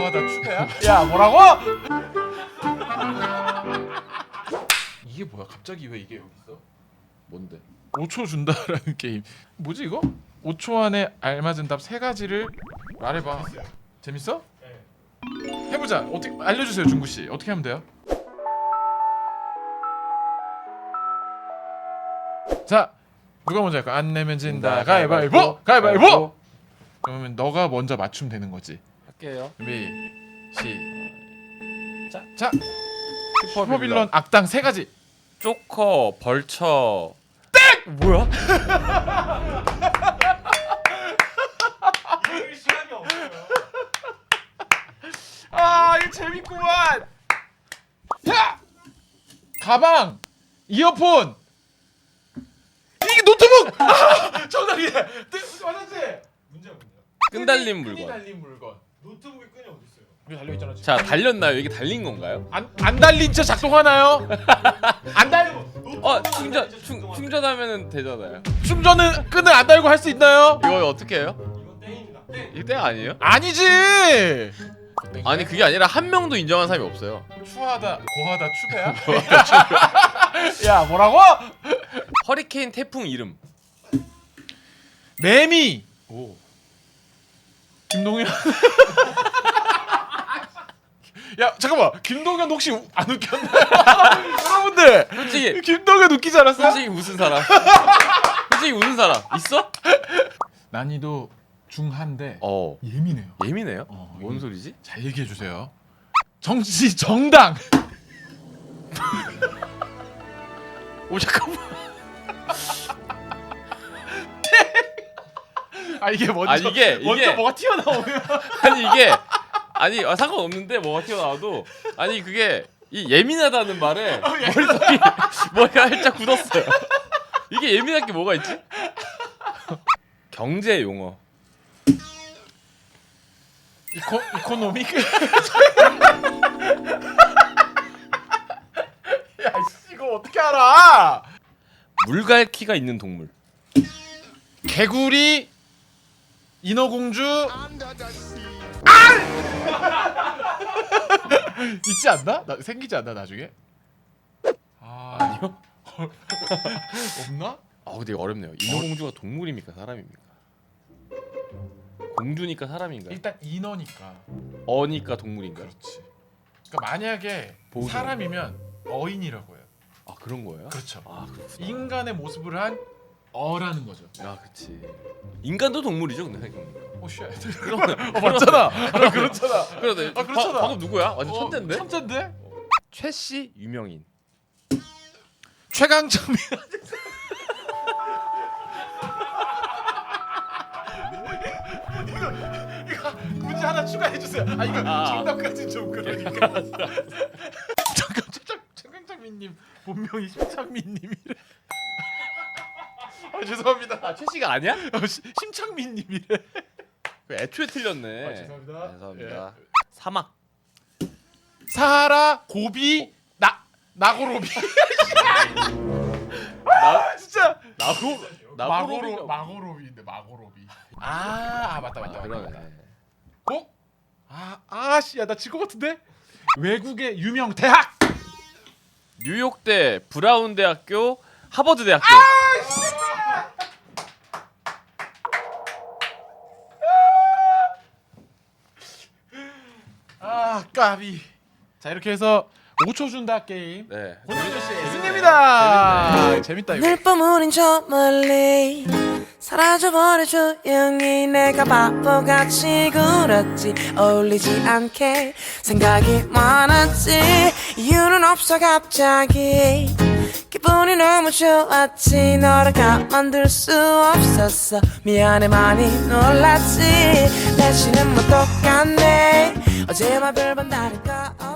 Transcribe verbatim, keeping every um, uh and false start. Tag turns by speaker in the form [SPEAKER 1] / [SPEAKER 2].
[SPEAKER 1] 고하다 추가야? 야 뭐라고? 이게 뭐야? 갑자기 왜 이게 여기 있어?
[SPEAKER 2] 뭔데?
[SPEAKER 1] 오 초 준다라는 게임. 뭐지 이거? 오 초 안에 알맞은 답 세 가지를 말해봐. 재밌어? 네. 해보자. 어떻게 알려주세요, 중구 씨. 어떻게 하면 돼요? 자, 누가 먼저 할까? 안 내면 진다. 가위바위보. 가위바위보. 그러면 너가 먼저 맞추면 되는 거지.
[SPEAKER 2] 할게요.
[SPEAKER 1] 준비. 시작. 자,
[SPEAKER 2] 슈퍼빌런.
[SPEAKER 1] 슈퍼빌런 악당 세 가지.
[SPEAKER 2] 조커, 벌처. 땡! 뭐야?
[SPEAKER 3] 이럴 시간이 없어요.
[SPEAKER 1] 아, 이거 재밌구만. 야! 가방, 이어폰. 이게 노트북. 아, 정답이네. 맞았지?
[SPEAKER 3] 문제야 문제야.
[SPEAKER 2] 끈달린
[SPEAKER 1] 끈이
[SPEAKER 2] 물건.
[SPEAKER 1] 달린 물건.
[SPEAKER 3] 노트북에 끈이 어디 있어요?
[SPEAKER 1] 여기 달려 있잖아. 지금.
[SPEAKER 2] 자, 달렸나요? 이게 달린 건가요?
[SPEAKER 1] 안, 안 달린 차 작동하나요? 안 달.
[SPEAKER 2] 어, 충전 충, 충전하면은 되잖아요.
[SPEAKER 1] 충전은 끈을 안 달고 할 수 있나요?
[SPEAKER 2] 이거 어떻게 해요?
[SPEAKER 3] 이건 땡입니다. 땡.
[SPEAKER 2] 이게 땡 아니에요?
[SPEAKER 1] 아니지.
[SPEAKER 2] 아니 그게 아니라 한 명도 인정한 사람이 없어요.
[SPEAKER 1] 추하다, 고하다 추배야? 야 뭐라고?
[SPEAKER 2] 허리케인 태풍 이름.
[SPEAKER 1] 매미.
[SPEAKER 2] 오.
[SPEAKER 1] 김동현. 야 잠깐만, 김동현 혹시 우- 안 웃겼나요? 여러분들
[SPEAKER 2] 솔직히
[SPEAKER 1] 김동현 웃기지 않았어요?
[SPEAKER 2] 솔직히 웃은 사람. 솔직히 웃은 사람 있어?
[SPEAKER 1] 난이도 중한데
[SPEAKER 2] 어.
[SPEAKER 1] 예민해요.
[SPEAKER 2] 예민해요?
[SPEAKER 1] 어,
[SPEAKER 2] 뭔
[SPEAKER 1] 이-
[SPEAKER 2] 소리지?
[SPEAKER 1] 잘 얘기해 주세요. 정치 정당.
[SPEAKER 2] 오 잠깐만.
[SPEAKER 1] 아 이게 먼저
[SPEAKER 2] 아니, 이게-
[SPEAKER 1] 먼저
[SPEAKER 2] 이게-
[SPEAKER 1] 뭐가 튀어나오면
[SPEAKER 2] 아니 이게 아니 아, 상관없는데 뭐가 튀어나와도 아니 그게 이 예민하다는 말에 머릿속이 머리가 살짝 굳었어요. 이게 예민할 게 뭐가 있지? 경제 용어.
[SPEAKER 1] 이코 이코노믹. 야 씨, 이거 어떻게 알아?
[SPEAKER 2] 물갈퀴가 있는 동물.
[SPEAKER 1] 개구리, 인어공주. 아! 있지 않나? 나, 생기지 않나 나중에? 아
[SPEAKER 2] 아니요?
[SPEAKER 1] 없나?
[SPEAKER 2] 아 근데 이거 어렵네요. 인어공주가 동물입니까 사람입니까? 공주니까 사람인가요?
[SPEAKER 1] 일단 인어니까.
[SPEAKER 2] 어니까 동물인가요?
[SPEAKER 1] 그렇지. 그러니까 만약에
[SPEAKER 2] 보조.
[SPEAKER 1] 사람이면 어인이라고 해요.
[SPEAKER 2] 아 그런 거예요?
[SPEAKER 1] 그렇죠.
[SPEAKER 2] 아 그렇구나.
[SPEAKER 1] 인간의 모습을 한 어라는 거죠.
[SPEAKER 2] 아 그치. 인간도 동물이죠 근데 생각해보니까.
[SPEAKER 1] 오 쉣.
[SPEAKER 2] 그러네.
[SPEAKER 1] 어 맞잖아. 아, 그렇잖아.
[SPEAKER 2] 그러네.
[SPEAKER 1] 아, 그렇잖아.
[SPEAKER 2] 바, 방금 누구야? 완전
[SPEAKER 1] 어,
[SPEAKER 2] 천재인데?
[SPEAKER 1] 천재인데?
[SPEAKER 2] 최씨 유명인.
[SPEAKER 1] 최강창민. 이거 이거 문제 하나 추가해 주세요. 아 이거
[SPEAKER 2] 아.
[SPEAKER 1] 정답까지 좀 그러니까. 잠깐 최강 최강창민님 본명이 심창민님이래. 아 죄송합니다.
[SPEAKER 2] 아 최씨가 아니야?
[SPEAKER 1] 어, 시- 심창민님이래.
[SPEAKER 2] 그 애초에 틀렸네.
[SPEAKER 1] 아, 죄송합니다.
[SPEAKER 2] 죄송합니다. 사막.
[SPEAKER 1] 사하라 고비 나 나고로비. 아 진짜
[SPEAKER 2] 나고
[SPEAKER 1] 마고로
[SPEAKER 2] 나고로
[SPEAKER 1] 마고로비인데 마고로비. 아, 아 맞다 맞다.
[SPEAKER 2] 아,
[SPEAKER 1] 맞다,
[SPEAKER 2] 그러네.
[SPEAKER 1] 맞다. 어? 아 아씨야 나 질 것 같은데. 외국의 유명 대학.
[SPEAKER 2] 뉴욕대, 브라운 대학교, 하버드 대학교.
[SPEAKER 1] 아 까비. 자 이렇게 해서 오 초 준다 게임.
[SPEAKER 2] 네.
[SPEAKER 1] 권영준 씨 승리입니다.
[SPEAKER 2] 재밌네.
[SPEAKER 1] 재밌다 이거.
[SPEAKER 4] 늘 뿜으린 저 멀리 사라져버려 조용히 내가 바보같이 굴었지 어울리지 않게 생각이 많았지 이유는 없어 갑자기 기분이 너무 좋았지 너를 가만둘 수 없었어 미안해 많이 놀랐지 날씨는 뭐 똑같네 어제와 별반 다를 거